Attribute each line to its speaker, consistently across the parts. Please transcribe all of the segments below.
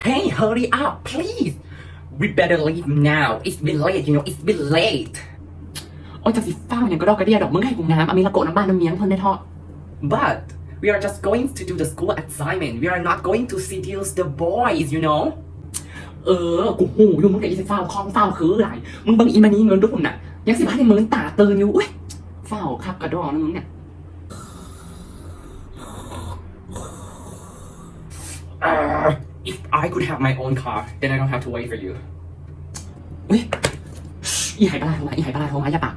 Speaker 1: Hey, hurry up, please. We better leave now. It's been late, it's been late.
Speaker 2: โอ้ยจากสิฟ้าอย่างก็ดอกกระเดียดอกมึงให้กูน้ำอามีละโกน้ำบ้านน้ำเมียงเพิ่นได้ทอด
Speaker 1: But we are just going to do the school assignment. We are not going to seduce the boys,
Speaker 2: กูหูอยู่มึงกับอีสิฟ้าวคล้องฟ้าวคือหลายมึงบังอีมานี่เงินรุ่นน่ะยังสิบ้านในเมืองตาตื่นอยู่อุ้ยฟ้าวคักกระดองนะมึงเนี่ย
Speaker 1: If I could have my own car, then I don't have to wait for you.
Speaker 2: อุ้ยอีไหปลาโทรมาอย่าปาก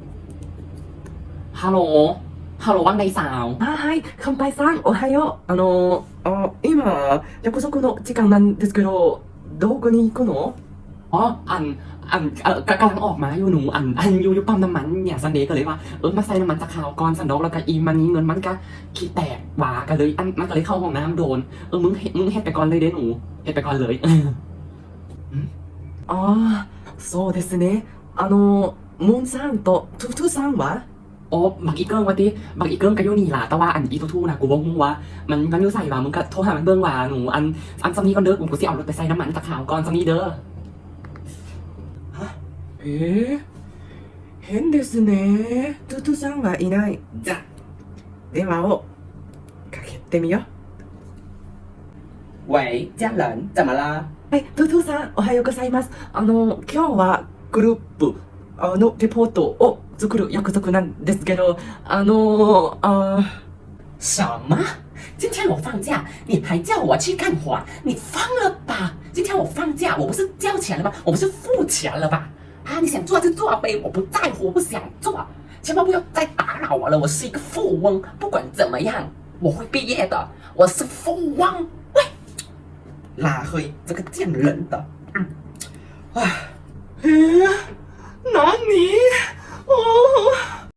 Speaker 2: ฮัลโหลว่างใดสาว
Speaker 3: はい、乾杯さん、おはよう。今、約束の時間なんですけど、どこに行くの？
Speaker 2: อ๋อกำลังออกมาอยู่หนูอยู่ปั๊มน้ำมันเนี่ยซันเดย์ก็เลยว่ามาใส่น้ำมันจากข่าวก่อนสันดอกแล้วก็อีมันนี้เงินมันก็ขี้แตกหวากันเลยมันก็เลยเข้าห้องน้ำโดนมึงเฮ็ดไปก่อนเลยเด้หนูเฮ็ดไปก่อนเลย
Speaker 3: ああ、そうですね。モンさんとトゥトゥさんは？
Speaker 2: โอ้บักอีเกิ้งวะติบักอีเกิ้งก็อยู่นี่ล่ะแต่ว่าอีทูๆนะกูบ่ฮู้ว่ามันอยู่ใส่ว่ามึงก็โทรหามันเบิ่งว่าหนูซัมนี้ก่อนเด้อกูสิเอารถไปใส่น้ำมันจากข่าวก่อนซัมนี้เด้อ
Speaker 3: 変ですね。トゥトゥさんはいない。じゃ、電話をかけてみよう。
Speaker 1: 喂，家人，怎么啦？
Speaker 3: はい、トゥトゥさん、おはようございます。今日はグループのレポートを作る約束なんですけど、
Speaker 1: 什么？今天我放假，你还叫我去干活？你疯了吧？今天我放假，我不是交钱了吗？我不是付钱了吧？啊，你想做就做呗，我不在乎，我不想做，千万不要再打扰我了。我是一个富翁，不管怎么样，我会毕业的，我是富翁。喂，拉黑这个贱人的，
Speaker 3: 何